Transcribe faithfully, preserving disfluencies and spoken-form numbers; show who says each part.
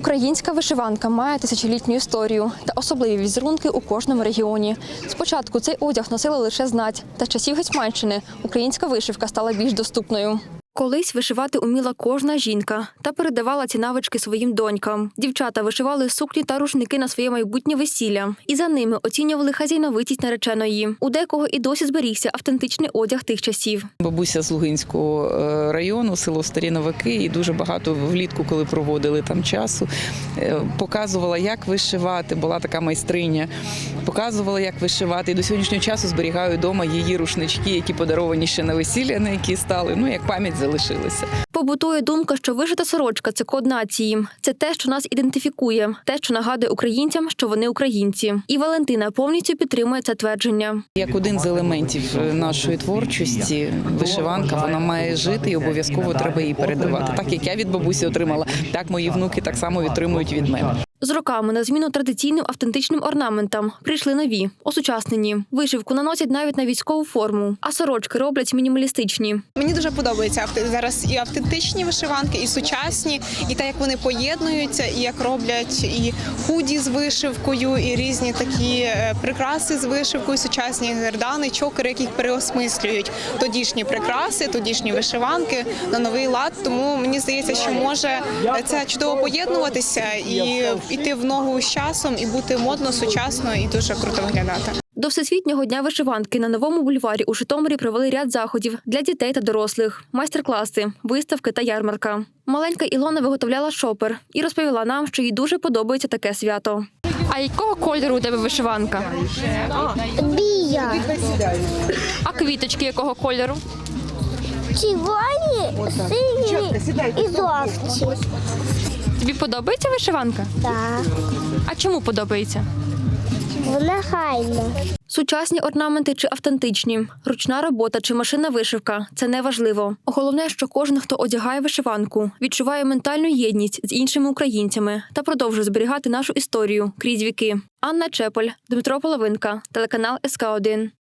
Speaker 1: Українська вишиванка має тисячолітню історію та особливі візерунки у кожному регіоні. Спочатку цей одяг носили лише знать, та з часів Гетьманщини українська вишивка стала більш доступною. Колись вишивати уміла кожна жінка та передавала ці навички своїм донькам. Дівчата вишивали сукні та рушники на своє майбутнє весілля. І за ними оцінювали хазяйновитість нареченої. У декого і досі зберігся автентичний одяг тих часів.
Speaker 2: Бабуся з Лугинського району, село Старі Новаки, і дуже багато влітку, коли проводили там часу, показувала, як вишивати. Була така майстриня. Показувала, як вишивати. І до сьогоднішнього часу зберігаю вдома її рушнички, які подаровані ще на весілля, на які стали, ну, як пам'ять залишилися.
Speaker 1: Побутує думка, що вишита сорочка – це код нації. Це те, що нас ідентифікує, те, що нагадує українцям, що вони українці. І Валентина повністю підтримує це твердження.
Speaker 2: Як один з елементів нашої творчості, вишиванка, вона має жити і обов'язково треба її передавати. Так, як я від бабусі отримала, так мої внуки так само отримують від мене.
Speaker 1: З роками на зміну традиційним автентичним орнаментам прийшли нові, осучаснені. Вишивку наносять навіть на військову форму, а сорочки роблять мінімалістичні.
Speaker 3: Мені дуже подобається зараз і автентичні вишиванки, і сучасні, і те, як вони поєднуються, і як роблять і худі з вишивкою, і різні такі прикраси з вишивкою, сучасні гердани, чокери, які переосмислюють тодішні прикраси, тодішні вишиванки на новий лад. Тому мені здається, що може це чудово поєднуватися і йти в ногу з часом, і бути модно, сучасно і дуже круто виглядати.
Speaker 1: До Всесвітнього дня вишиванки на Новому бульварі у Житомирі провели ряд заходів для дітей та дорослих, майстер-класи, виставки та ярмарка. Маленька Ілона виготовляла шопер і розповіла нам, що їй дуже подобається таке свято. А якого кольору у тебе вишиванка?
Speaker 4: Бія.
Speaker 1: А квіточки якого кольору?
Speaker 4: Червоні, сині і жовті.
Speaker 1: Тобі подобається вишиванка?
Speaker 4: Так.
Speaker 1: А чому подобається?
Speaker 4: Вона хайна.
Speaker 1: Сучасні орнаменти чи автентичні, ручна робота чи машинна вишивка – це не важливо. Головне, що кожен, хто одягає вишиванку, відчуває ментальну єдність з іншими українцями та продовжує зберігати нашу історію крізь віки. Анна Чеполь, Дмитро Половинка, телеканал ес ка один.